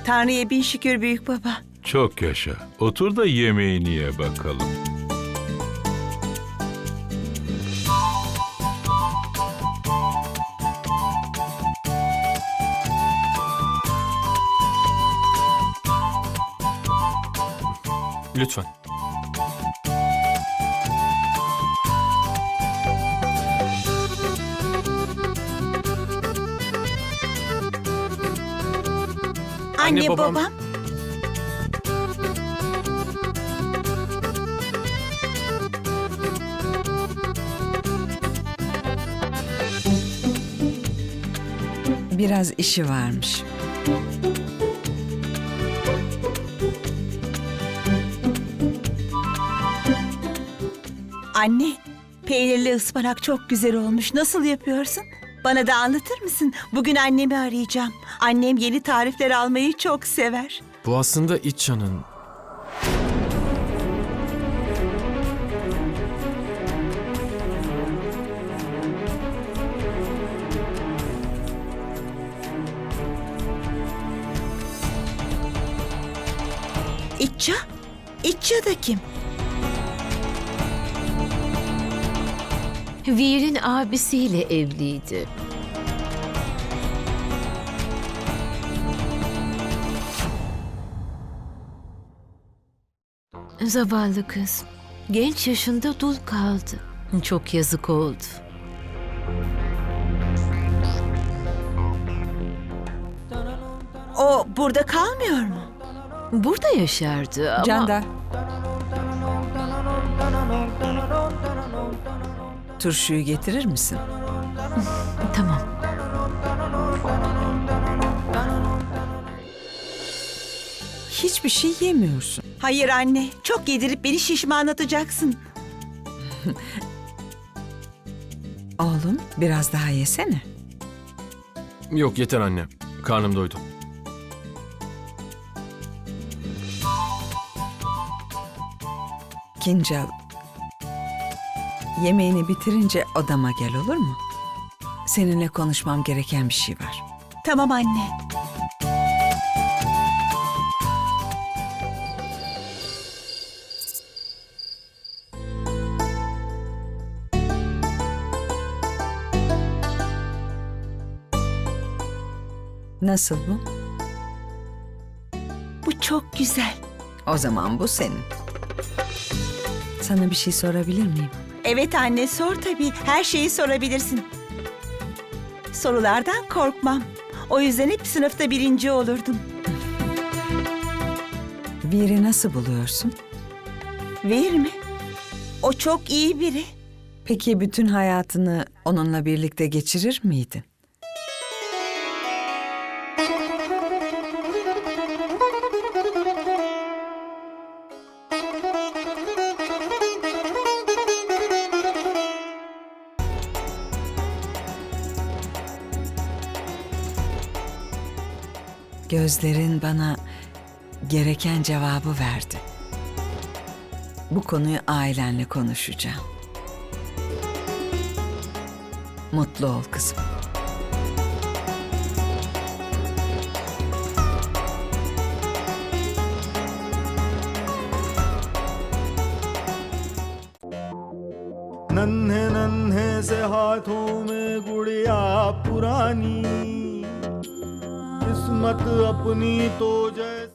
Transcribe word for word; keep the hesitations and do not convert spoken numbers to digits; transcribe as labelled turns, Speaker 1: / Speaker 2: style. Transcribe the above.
Speaker 1: Tanrı'ya bin şükür büyük baba.
Speaker 2: Çok yaşa. Otur da yemeğini ye bakalım.
Speaker 3: Lütfen.
Speaker 1: Anne,
Speaker 3: Anne, babam-
Speaker 1: babam.
Speaker 4: Biraz işi varmış.
Speaker 1: Anne, peynirli ıspanak çok güzel olmuş. Nasıl yapıyorsun? Bana da anlatır mısın? Bugün annemi arayacağım. Annem yeni tarifler almayı çok sever.
Speaker 3: Bu aslında İtça'nın.
Speaker 1: İtça? İtça da kim?
Speaker 5: Veer'in abisiyle evliydi. Zavallı kız. Genç yaşında dul kaldı. Çok yazık oldu.
Speaker 1: O burada kalmıyor mu?
Speaker 5: Burada yaşardı ama...
Speaker 4: Canda. Turşuyu getirir misin?
Speaker 5: Tamam.
Speaker 4: Hiçbir şey yemiyorsun.
Speaker 1: Hayır anne, çok yedirip beni şişmanlatacaksın.
Speaker 4: Oğlum biraz daha yesene.
Speaker 3: Yok yeter anne. Karnım doydu.
Speaker 4: Kincal. Yemeğini bitirince odama gel, olur mu? Seninle konuşmam gereken bir şey var.
Speaker 1: Tamam anne.
Speaker 4: Nasıl bu?
Speaker 1: Bu çok güzel.
Speaker 4: O zaman bu senin. Sana bir şey sorabilir miyim?
Speaker 1: Evet anne, sor tabii. Her şeyi sorabilirsin. Sorulardan korkmam. O yüzden hep sınıfta birinci olurdum.
Speaker 4: Veer'i nasıl buluyorsun?
Speaker 1: Veer mi? O çok iyi biri.
Speaker 4: Peki bütün hayatını onunla birlikte geçirir miydin? Gözlerin bana gereken cevabı verdi. Bu konuyu ailenle konuşacağım. Mutlu ol kızım.
Speaker 6: नन्हे नन्हे से हाथों में गुड़िया पुरानी किस्मत अपनी तो जैसे